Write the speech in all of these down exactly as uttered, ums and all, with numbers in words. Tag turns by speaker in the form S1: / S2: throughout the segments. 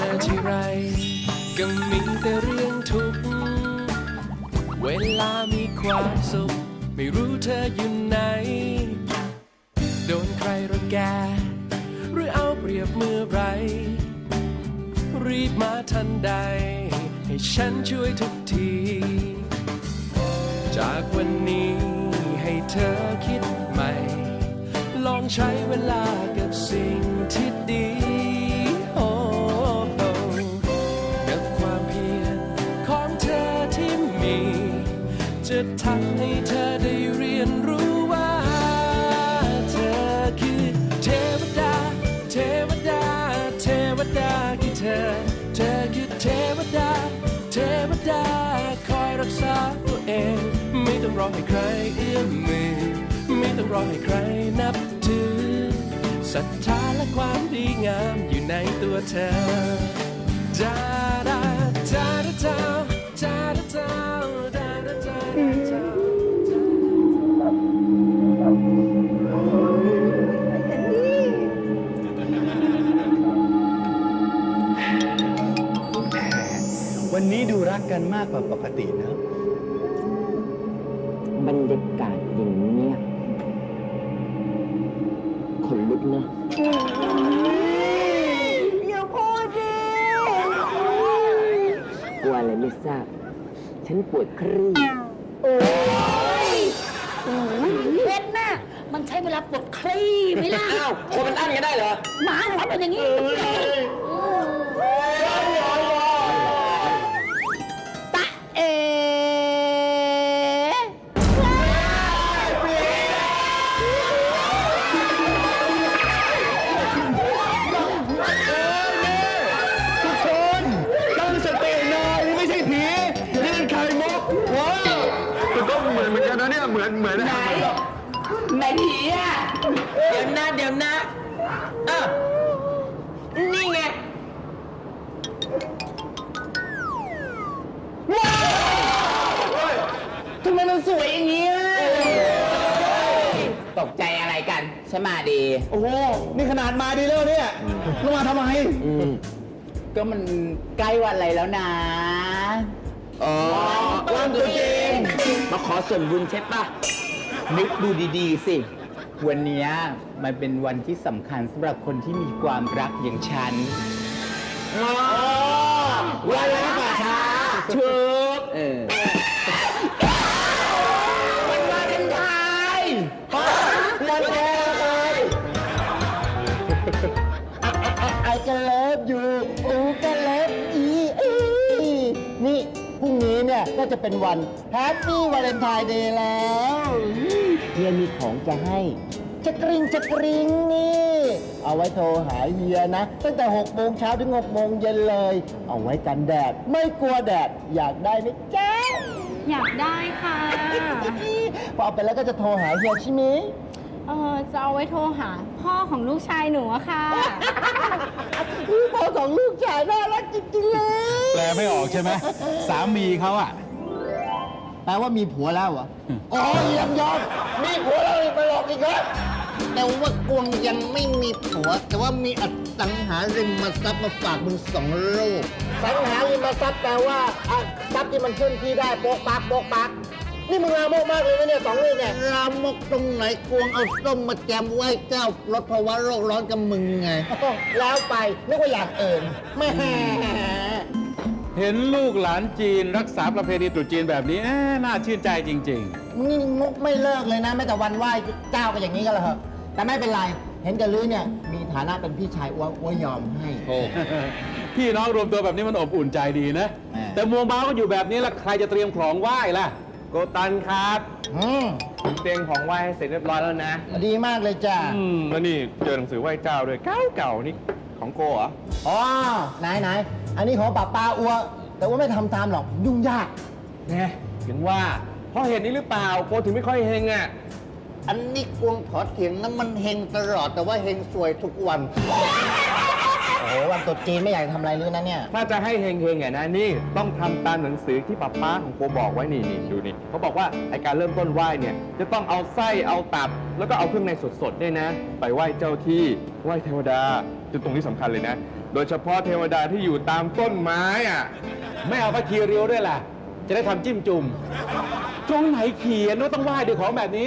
S1: อที่ไรก็มีแต่เรื่องทุกข์เวลามีความสุขไม่รู้เธออยู่ไหนโดนใครรังแกหรือเอาเปรียบเมื่อไรรีบมาทันใดให้ฉันช่วยทุกทีจากวันนี้ให้เธอคิดใหม่ลองใช้เวลากับสิ่งที่ดีโอ้กับความเพียรของเธอที่มีจะทำให้เธอได้เรียนรู้ว่าเธอคือเทวดาเทวดาเทวดาคือเธอเธอคือเทวดาเทวดาคอยรักษาตัวเองไม่ต้องรอให้ใครเอื้อมมือไม่ต้องรอให้ใครนับถือศรัทธาและความดีงามอยู่ในตัวเธอจาดาจาดาจาจาดาจาดาดาจาจา
S2: วันนี้ดูรักกันมากกว่าปกตินะ
S3: บรรยากาศอย่างเนี้ยขนลุกนะอย่าพูดดิกลัวอะไรไม่ทราบฉันปวดครี่โอ้ย
S4: เพชรน่ะมันใช้เวลาปวดคลี่ไหมล่ะ
S3: อ้าวคนมันอั้นกันได้เหรอ
S4: หมาของเราเป็นอย่างนี้ตะเอ๋
S2: ทุกคนตั้งสติหน่อยนี่ไม่ใช่ผีนี่เป็นไข่มุกว้าวแต่ก็เหมือนเหมือนกันนะเนี่ยเหมือนเหมือนไหน
S3: ไหนผีอ่ะเดี๋ยวนะเดี๋ยวนะเออนี่ไงว้าวทำไมมันสวยอย่างนี้ตกใจอะไรกันฉันมาดี
S2: โอ้โหนี่ขนาดมาดีแล้วเนี่ยลงมาทำไม
S3: ก็มันใกล้วันอะไรแล้วนะ
S2: อ๋อ
S3: วันตรุษจีนมาขอส่วนบุญใช่ปะนึกดูดีๆสิ วันนี้มันเป็นวันที่สำคัญสำหรับคนที่มีความรักอย่างฉันวันรักป่าช้าถูกเออวันวาเลนไทน์วันแรกเลย
S2: ไอ้ก็เลิฟอยู่อูก็เลิฟอีอีนี่พรุ่งนี้เนี่ยก็จะเป็นวันแฮปปี้วาเลนไทน์เดย์แล้วเฮียมีของจะให้จะกริ๊งจะกริ๊งนี่ เอาไว้โทรหาเฮียนะ ตั้งแต่หกโมงเช้าถึงหกโมงเย็นเลย เอาไว้กันแดด ไม่กลัวแดด อยากได้ไหมจ๊ะ
S5: อยากได้ค่ะ
S2: พอเอาไปแล้วก็จะโทรหาเฮียใช่ไหม
S5: เออจะเอาไว้โทรหาพ่อของลูกชายหนูอะค่ะ
S2: พ่อของลูกชายน่ารักจริงๆเลย
S6: แปลไม่ออกใช่ไหม สามีเขาอะ
S2: แปลว่ามีผัวแล้วเหรอ อ๋อเยี่ยมยอดมีผัวแล้วไปหลอกอีกเหรอ
S7: แต่ว่ากวงยังไม่มีผัว แต่ว่ามีอสังหาริมทรัพย์มาฝากมึงสองลูก
S2: สังหาริมทรัพย์แปลว่าอ่ะทรัพย์ที่มันเคลื่อนที่ได้โป๊กปักโป๊กปัก นี่มึงลามกมากเลยนะเนี่ยสองลูกเนี่ย
S7: รามกตรงไหนกวงเอาส้มมาแจมไหว้เจ้าลดภาวะโรคร้อนกับมึงไง
S2: แล้วไปนึกว่าอยากเอิญแม่
S6: เห็นลูกหลานจีนรักษาประเพณีตรุษจีนแบบนี้เอ๊ะน่าชื่นใจจริง
S2: นี่งกไม่เลิกเลยนะแม้แต่วันไหว้เจ้าก็อย่างนี้กันเหรอแต่ไม่เป็นไร เห็นกับลือเนี่ยมีฐานะเป็นพี่ชายอ้วอ้วยอมให้
S6: ๆ โอ้ พี่น้องรวมตัวแบบนี้มันอบอุ่นใจดีนะ
S2: แหม่
S6: แต่มัวเมาก็อยู่แบบนี้แล้วใครจะเตรียมของไหว้ล่ะ
S8: โกตันครับ
S2: อืม
S8: ผมเตรียมของไหว้ให้เสร็จเรียบร้อยแล้วนะ
S2: ดีมากเลยจ้า
S8: อืม แล้วนี่เจอหนังสือไหว้เจ้าด้วยเก่าเก่าๆนี่ของโกเหรอ
S2: อ๋อไหนไหนอันนี้ของป้าป้าอ้วแต่ว่าไม่ทำตามหรอกยุ่งยาก
S8: แน่ถึงว่าเพราะเหตุนี้หรือเปล่าโกถึงไม่ค่อยเฮงอ่ะ
S7: อันนี้กวงขอเถียงนะมันเฮงตลอดแต่ว่าเฮงสวยทุกวัน
S2: โอ้โหวันตรุษจีนไม่อยากทำอะไรเลยนะเนี่ย
S8: ถ้าจะให้เฮงเฮงๆอ่ะนะนี่ต้องทำตามหนังสือที่ป้าป้าของโกบอกไว้นี่นี่ดูนี่เขาบอกว่าไอการเริ่มต้นไหว้เนี่ยจะต้องเอาไส้เอาตับ แล้วก็เอาเครื่องในสดๆเนี่ยนะ ไปไหว้เจ้าที่ไหว้เทวดาจนตรงนี้สำคัญเลยนะโดยเฉพาะเทวดาที่อยู่ตามต้นไม้อ่ะ
S6: ไม่เอาพระคีริ้วด้วยล่ะ จะได้ทำจิ้มจุ่มตรงไหนเขียนว่าต้องไหว้ด้วยของแบบนี้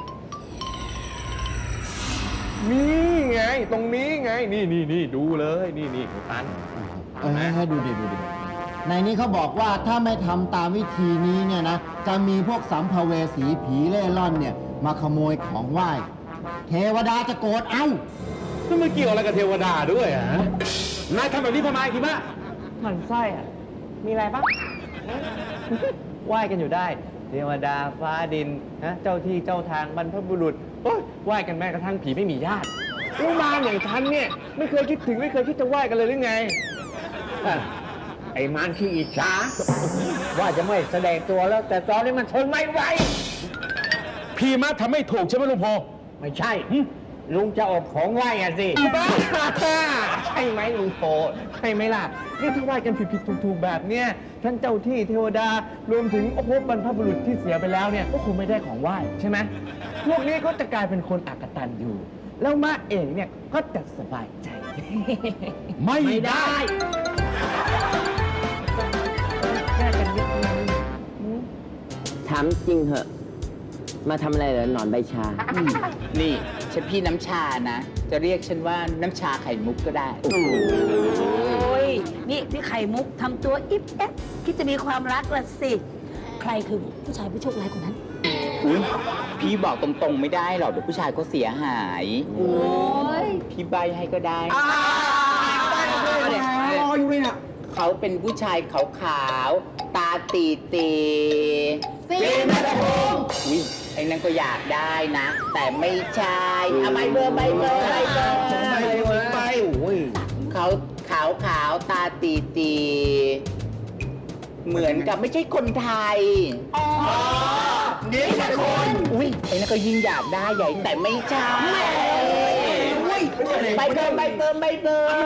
S8: นี่ไง ตรงนี้ไง นี่นี่นี่ดูเลยนี่นี่คุณตัน
S2: เออให้ดูดิดูดิในนี้เขาบอกว่าถ้าไม่ทำตามวิธีนี้เนี่ยนะ จะมีพวกสัมภเวสีผีเล่ร่อนเนี่ย มาขโมยของไหว้ เทวดาจะโกรธเอ้า
S6: นั่นมันเกี่ยวอะไรกับเทวดาด้วยอ่ะนายทำแบบนี้ทำไมคิมะ
S9: หมั่นไส้อะมีอะไรปะ ไหว้กันอยู่ได้ เทวดาฟ้าดินนะเจ้าที่เจ้าทางบรรพบุรุษโอ้ยไหว้กันแม้กระทั่งผีไม่มีญาติลูกมาอย่างฉันเนี่ย ไม่เคยคิดถึงไม่เคยคิดจะไหว้กันเลยหรือไง
S7: ไอ้มันขี้อิจฉาว่าจะไม่แสดงตัวแล้ว แต่ตอนนี้มันทนไม่ไหว
S6: พี่มะทำไม่ถูกใช่ไหมลุงโพ
S7: ไม่ใช่ ลุงจะออกของไหว้อะสิ
S9: บ้าใช่ไหมลุงโตใช่ไหมล่ะนี่ถ้าไหว้กันผิดๆถูกๆแบบเนี้ยท่านเจ้าที่เทวดารวมถึงโอ้โหบรรพบุรุษที่เสียไปแล้วเนี่ยก็คงไม่ได้ของไหว้ใช่ไหมพวกนี้ก็จะกลายเป็นคนอักตันอยู่ แล้วมาเองเนี่ยก็จะสบายใจ
S6: ไม่ได้
S9: แยกกันนิดนึง
S10: ถามจริงเหอะ มาทำอะไรเหรอหนอนใบชา
S3: นี่ฉันพี่น้ำชานะ จะเรียกฉันว่าน้ำชาไข่มุกก็ได้
S4: โอ้ย นี่พี่ไข่มุกทำตัวอิ๊บเอ๊ะคิดจะมีความรักละสิ ใครคือผู้ชายผู้โชคร้ายคนนั้น
S3: อุ๊ยพี่บอกตรงๆไม่ได้หรอกเดี๋ยวผู้ชายเขาเสียหาย
S4: โอ้ย
S3: พี่ใบให้ก็ได้เขาเป็นผู้ชายขาวๆ ตาตีตีฟิล์มนัทพงศ์อุ้ยไอ้นั่นก็อยากได้นะ แต่ไม่ใช่เอาใบเบอร์ใบเบอร์ใบเบอร์ไปเขาขาวขาวๆตาตีตีเหมือนกับไม่ใช่คนไทยอ๋อนี่แค่คนอุ้ยไอ้นั่นก็ยิ่งอยากได้ใหญ่แต่ไม่ใช่ใบเบอร์ใบเบอร์ใบเบอร์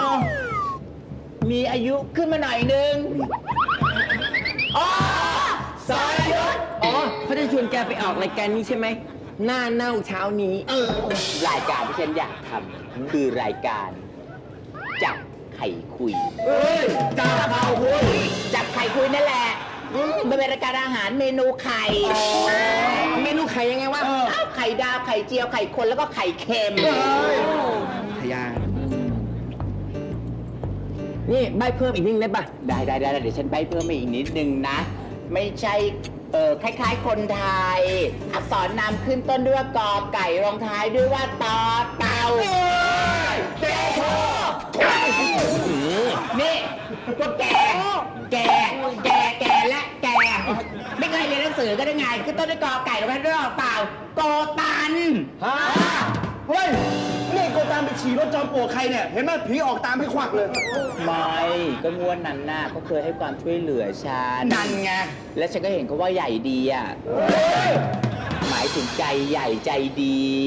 S3: มีอายุขึ้นมาหน่อยนึงอ๋อสรยุทธ
S10: อ๋อเขาจะชวนแกไปออกรายการนี้ใช่ไหม หน้าเน่าเช้านี้
S3: รายการที่ฉันอยากทำคือรายการจับไข่คุยจับไข่คุยจับไข่คุยนั่นแหละมันเป็นรายการอาหารเมนูไข่
S10: เมนูไข่ยังไงวะ
S3: อ้าวไข่ดาวไข่เจียวไข่คนแล้วก็ไข่เค็ม
S10: ทยา นี่ใบเพิ่มอีกนิดได้ปะ
S3: ได้ได้ได้เดี๋ยวฉันใบเพิ่มมาอีกนิดนึงนะ ไม่ใช่เออคล้ายๆคนไทย อักษรนำขึ้นต้นด้วยว่ากอไก่รองท้ายด้วยว่าตอเต่าเจ๊โชนี่พวกแก แก แก แก และแก ไม่เคยเรียนหนังสือก็ได้ไงขึ้นต้นด้วยกอไก่รองท้ายด้วยว่าเปล่าโกตัน
S2: ฮะ เฮ้ย นี่โกตามไปฉี่รถจอมปลวกใครเนี่ย เห็นไหมผีออกตามให้ควักเลย
S3: ไม่ก็งวนนั้นน่ะเขาเคยให้ความช่วยเหลือฉัน
S2: นั่นไง
S3: และฉันก็เห็นเขาว่าใหญ่ดีอ่ะ หมายถึงใจใหญ่ใจดี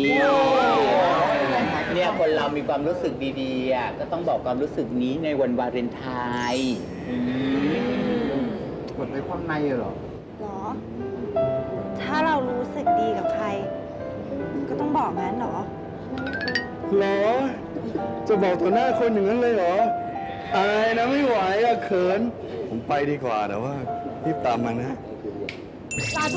S3: เนี่ยคนเรามีความรู้สึกดีๆอ่ะก็ต้องบอกความรู้สึกนี้ในวันวาเลนไทน์อืม
S2: กดไว้ข้างในเหรอ
S11: หรอ ถ้าเรารู้สึกดีกับใคร ก็ต้องบอกงั้นเหรอ
S2: เหรอ จะบอกต่อหน้าคนอย่างนั้นเลยเหรอ อายนะไม่ไหวอะเขิน ผมไปดีกว่าแต่ว่ารีบตามมานะ
S11: สาธุ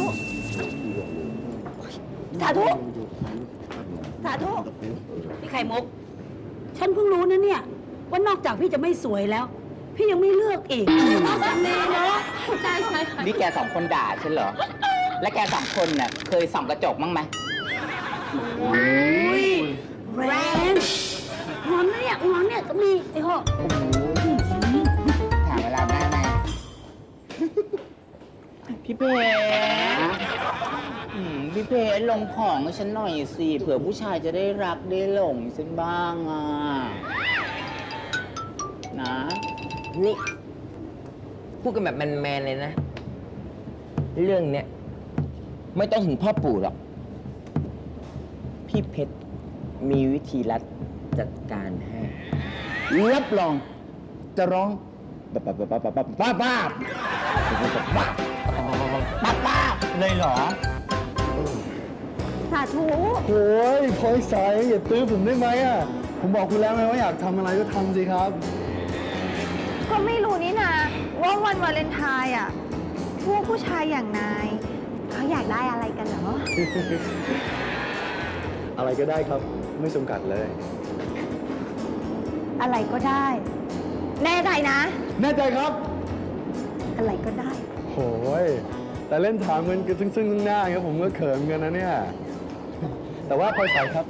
S11: สาธุ สาธุ
S4: พี่ไข่มุก ฉันเพิ่งรู้นะเนี่ย ว่านอกจากพี่จะไม่สวยแล้ว พี่ยังไม่เลือกอีกสามีเนาะใช่ใช่ค่ะ
S3: นี่แกสองคนด่าฉันเหรอ และแกสองคนน่ะเคยส่องกระจกมั้งไหม
S4: อุ้ยแรงงอนนะเนี่ยงอนเนี่ยก็มีไอ้ห่อ
S3: ถามเวลาได้ไหม พี่เพชรอืมพี่เพชรลงของให้ฉันหน่อยสิ เผื่อผู้ชายจะได้รักได้หลงฉันบ้างอ่ะ นะ
S10: นี่ พูดกันแบบแมนๆเลยนะ เรื่องเนี้ยไม่ต้องถึงพ่อปู่หรอก พี่เพชรมีวิธีลัดจัดการให้รับรองจะร้องบ้าบ้าบ้าบ้าบ้าบ้าบ้าบ้าบ้าบ้าเลยเหรอ
S11: สาธุ
S2: โอ้ยพลอยสายอย่าตื้อผมได้ไหมอ่ะ ผผมบอกคุณแล้วไงว่าอยากทำอะไรก็ทำสิครับ
S11: ก็ไม่รู้นี่นะว่าวันวาเลนไทน์อ่ะ พวกผู้ชายอย่างนายเขาอยากได้อะไรกันเหรอ
S2: อะไรก็ได้ครับ ไม่จำกัดเลย
S11: อะไรก็ได้ แน่ใจนะ
S2: แน่ใจครับ
S11: อะไรก็ได้
S2: โหยแต่เล่นถามเงินกันซึ่งซึ่งหน้าครับผมก็เขินกันนะเนี่ย แต่ว่าพลอยใสครับ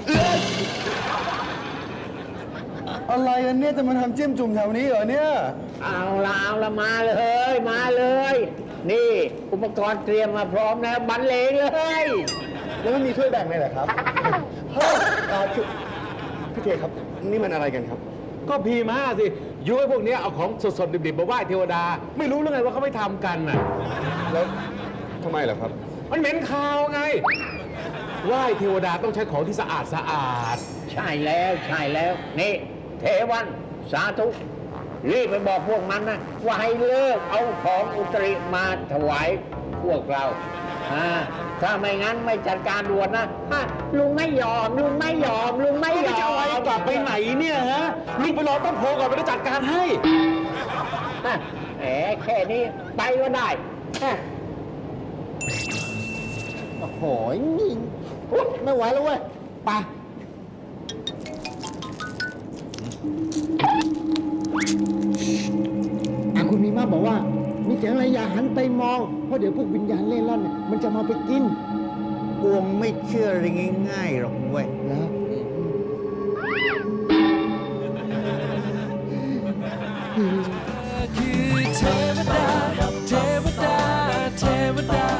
S2: อะไรกันเนี่ยจะมาทำจิ้มจุ่มแถวนี้เหรอเนี่ย
S3: เอาละเอาละมาเลยมาเลย นี่อุปกรณ์เตรียมมาพร้อมแล้วบรรเลงเลย
S2: แล้วไม่มีถ้วยแบ่งเลยเหรอครับ เฮ้ยอ่าคือพี่เทครับ นี่มันอะไรกันครับ
S6: ก็พีมาสิยุ้ยพวกเนี้ยเอาของสดๆดิบๆมาไหว้เทวดา ไม่รู้เรื่องไงว่าเขาไม่ทำกันน่ะ
S2: แล้วทำไมเหรอครับ
S6: มันเหม็นคาวไง ไหว้เทวดาต้องใช้ของที่สะอาดสะอาด
S3: ใช่แล้วใช่แล้ว นี่ เทวันสาธุรีบไปบอกพวกมันนะ ว่าให้เลิกเอาของอุตริมาถวายพวกเราอ่าถ้าไม่งั้นไม่จัดการด่วนนะฮะลุงไม่ยอม ลุงไม่ยอม ลุงไม่ยอม
S6: จะเอากลับไปไหนเนี่ยฮะลุงไปรอต้นโพก่อนไปจะจัดการให้
S3: ฮะแหมแค่นี้ไปก็ได้ฮะ
S2: โอ้โหนี่อุ๊ยไม่ไหวแล้วเว้ย ไป อ่ะคุณมีมาบอกว่า มีเสียงอะไรอย่าหันไปมอง เพราะเดี๋ยวพวกวิญญาณเล่ร่อนเนี่ยมันจะมาไปกิน
S7: กวงไม่เชื่ออะไรง่ายๆหรอกเว้ย
S2: แล้ว